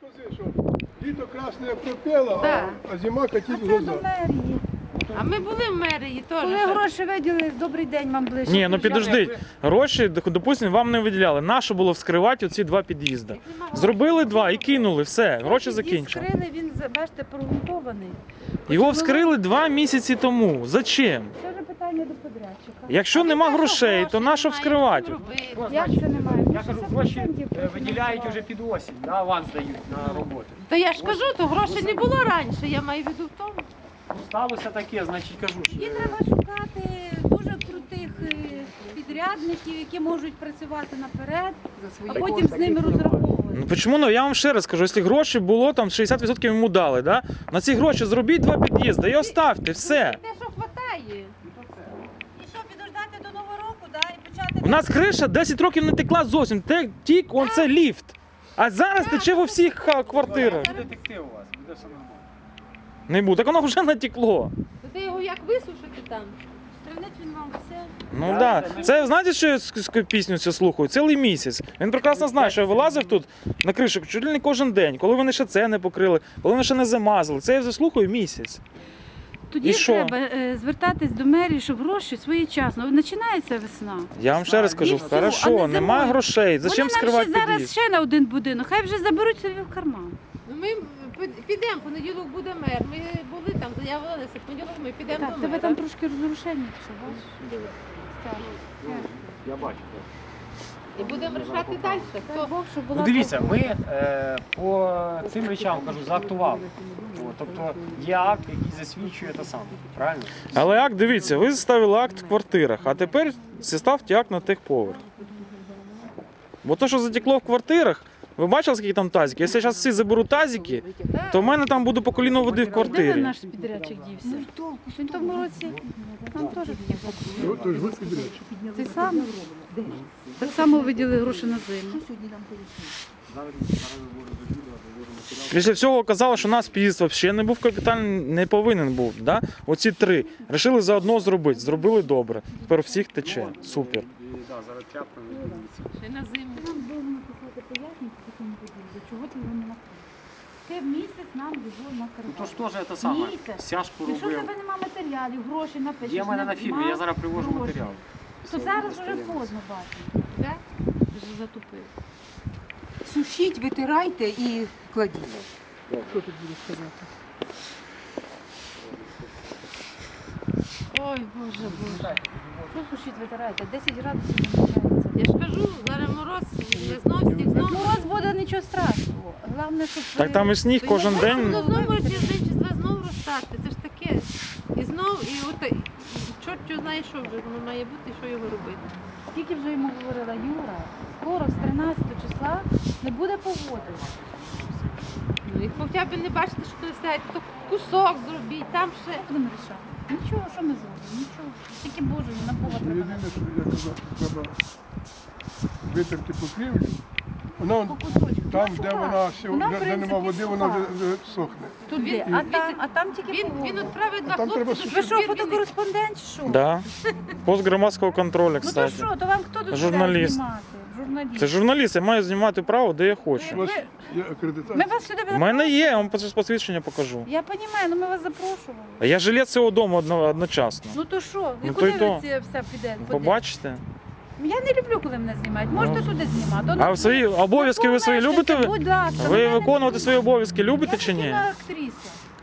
скажи, що літо красне пропело, Так. а зима катить в Це глаза. до мерії. А ми були в мерії теж. Коли гроші виділи, добрий день вам ближче. Ні, ну підождіть. Гроші, допустимо, вам не виділяли. Нащо було вскривати оці два під'їзди? Зробили два і кинули, все, гроші закінчили. Вскрили, він, бачите, прогрунтований. Його вскрили 2 місяці тому. Зачем? Це вже питання до подрядчика. Якщо нема грошей, то нащо вскривати? Як це немає? Я кажу, гроші виділяють вже під осінь, да, аванс дають на роботу. Та я ж кажу, то грошей не було раніше, я маю в виду в тому. Ну, сталося таке, значить кажу, що... І треба шукати дуже крутих підрядників, які можуть працювати наперед, а потім з ними розраховувати. Ну чому? Ну я вам ще раз кажу, якщо гроші було, там 60% йому дали, да? На ці гроші зробіть 2 під'їзди і оставте, все. Те, що хватає. І що, підождати до Нового року, да, і почати... У нас криша 10 років не текла зовсім, тік он це ліфт. А зараз тече во всіх квартирах. Буде текти у вас, буде все нормально. Не буде, так воно вже натекло. То ти його як висушити там? Стрілець він мав все. Ну так. Да. Це знаєте, що я пісню цю слухаю? Цілий місяць. Він прекрасно знає, що я вилазив тут на кришу чуть ли не кожен день, коли вони ще це не покрили, коли вони ще не замазали. Це я вже слухаю місяць. Тоді І що? треба звертатись до мерії, щоб гроші своєчасно. Починається весна. Я вам ще раз кажу, І все, а хорошо, не немає зимою. грошей, зачем Вони нам скривати ще зараз під'їзд? ще на один будинок, хай вже заберуть собі в карман. Ну ми підемо, понеділок буде мер. Ми були там, заявилися, понеділок ми підемо Так, до тебе мера. там трошки розрушення, що бачиш? Так. Я бачу. І будемо рішати далі. Хто? Бог, щоб була Ну дивіться, ми по цим речам, кажу, заактували. От, тобто є акт, який засвідчує те саме, правильно? Але акт, дивіться, ви ставили акт в квартирах, а тепер ставте акт на техповерх. Бо то, що затекло в квартирах, ви бачили, скільки там тазиків? Якщо зараз всі заберуть тазики, то в мене там буде по коліно води в Де квартирі. наш підрядчик дівся? Він в тому році там теж такі були. То ж ви підрядчик. Ти сам? Так само виділи гроші на зиму. Після всього казали, що у нас під'їзд взагалі не був капітальний, не повинен був. Да? Оці 3. Рішили заодно зробити. Зробили добре. Тепер всіх тече. Супер. Да, зараз тряпкою дивіться. Ще на зиму. Нам було написати пояснення по такому подібному, чого ти його не накрив. Ти місяць нам його Ну накрив. то ж теж це саме, Місяць. стяжку Якщо в робив. тебе немає матеріалів, грошей напишеш, Є в мене на фірмі, я зараз привожу грошей, матеріал. то зараз вже поздно бачимо. Да? Вже затупив. Сушіть, витирайте і кладіть. Що тут буде сказати? Ой, Боже, Боже. Що сушіть витираєте? 10 градусів намічається. Я ж кажу, зараз мороз, не знов сніг, знов. Мороз буде, нічого страшного. Головне, щоб... Так там і сніг кожен день. Ну, знову тиждень чи два знову розтати, це ж таке. І знов, і от, чорт його знає, що вже воно має бути, і що його робити. Скільки вже йому говорила Юра, скоро з 13 числа не буде погоди. Ну, і хоча б не бачите, що не стоять, то кусок зробіть, там ще. Будемо рішати. Нічого, що ми зробимо? Нічого. Тільки Боже, на Бога треба. Єдине, що я казав, треба витерти покрівлю. Вона По кусочку. там, Ну, де суха. вона все, Вона, в де принципі, нема води, вона суха. вже сохне. Туди, а там тільки Він погода. відправить два А там треба хлопці. Ви до що, Бірміни. фотокореспондент чи що? Да. Пост громадського контролю, Ну то кстати. що, то вам хто тут Журналіст. знімати? Журналіст. Це журналіст, я маю знімати право, де я У хочу. вас є Ми акредитація? вас сюди У мене є, я вам посвідчення покажу. Я розумію, але ми вас запрошували. А я жилець цього дому одночасно. Ну то що? І Ну, куди то й то. ви це все підете? Побачите? Я не люблю, коли мене знімають. Можете Ну. туди знімати. А свої обов'язки ви свої любите? Будь ласка. Ви мене не виконувати любите. свої обов'язки любите чи ні? Я актриса.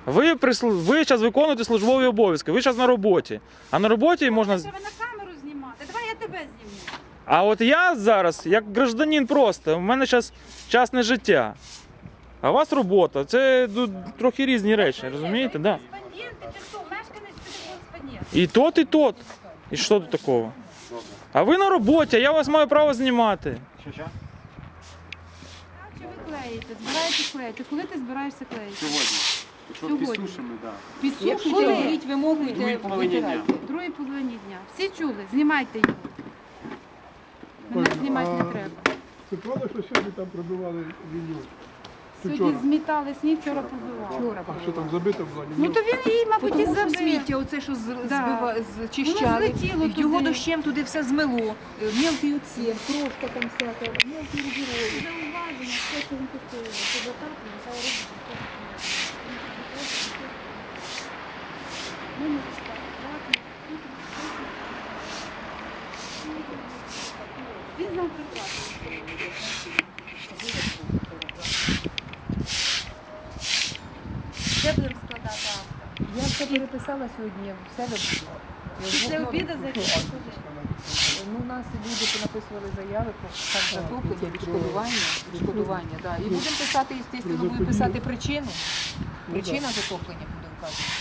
Ви зараз виконуєте службові обов'язки, ви зараз на роботі. А на роботі можна. Треба на камеру знімати. Давай я тебе зніму. А от я зараз, як гражданин просто, у мене зараз частне життя. А у вас робота. Це трохи різні речі, розумієте? Да. Кореспонденти чи що? Мешканець чи кореспондент? І тот, і тот. І що тут такого? А ви на роботі, а я вас маю право знімати. Що? Так, чи ви клеїте? Збираєтесь клеїти? Коли ти збираєшся клеїти? Сьогодні. Якщо Сьогодні. підсушимо, так. Підсушуйте, Коли? робіть, вимогуйте, Другій половині дня. витирайте. В другій половині дня. Всі чули? Знімайте його. Мене Ой, знімати не а треба. Це правда, що сьогодні там пробивали лінію? Сьогодні Вчора. змітали сніг, вчора пробивали. А що там забито було? Ну то він її, мабуть, і Тому що забив. сміття, оце що Да. зчищали, Воно злетіло його туди. дощем туди все змило. Мілкий оцет, крошка там всяка, мілкий рубіровий. Він знав прекрасно. Де будемо складати акти? Я все переписала сьогодні, я все роблю. Я Після вдвох обіду ночі. зайдемо. Ну, у нас люди понаписували заяви про затоплення, відшкодування, да. І будемо писати, звісно, будемо писати причину. Причина затоплення буде вказана.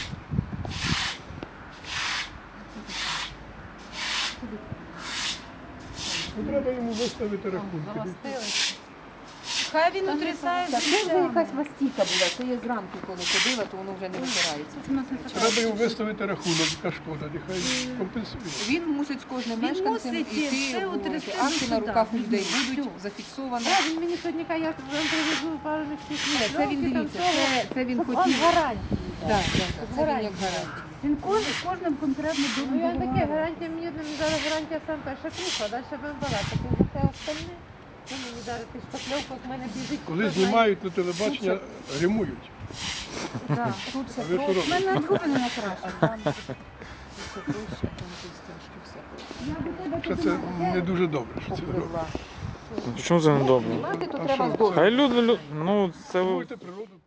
Ну, треба йому виставити рахунки. Хай він утрясає Так, це вже життя. якась мастіка була, це я зранку, коли ходила, то воно вже не витирається. Треба йому виставити рахунок, яка шкода, нехай компенсує. Він мусить з кожним Він мешканцем мусить йти, все обговорити. утрясти Акти до на суда. руках у людей Все. будуть зафіксовані. Він мені сьогодні каже, я вам привезу пару мішків Це він дивіться, це він Щоб хотів. он гарантії. Так, це він як гарантія. Він кожним конкретно Ну думає. я таке, гарантія мені зараз гарантія сам перша круха, далі будемо балакати. За те остальне, ну мені зараз ти шпакльовку, в мене біжить. Коли хто знає. знімають на телебачення, гримують. Так, тут все А ви що проще. У мене губи не накрашені. Там все проще, там тут стежки все проще. Що це не дуже добре, що це робить. Попливла. Ну, чому це не добре? Знімати то А треба що? здорово. Хай люди, ну це Будете природу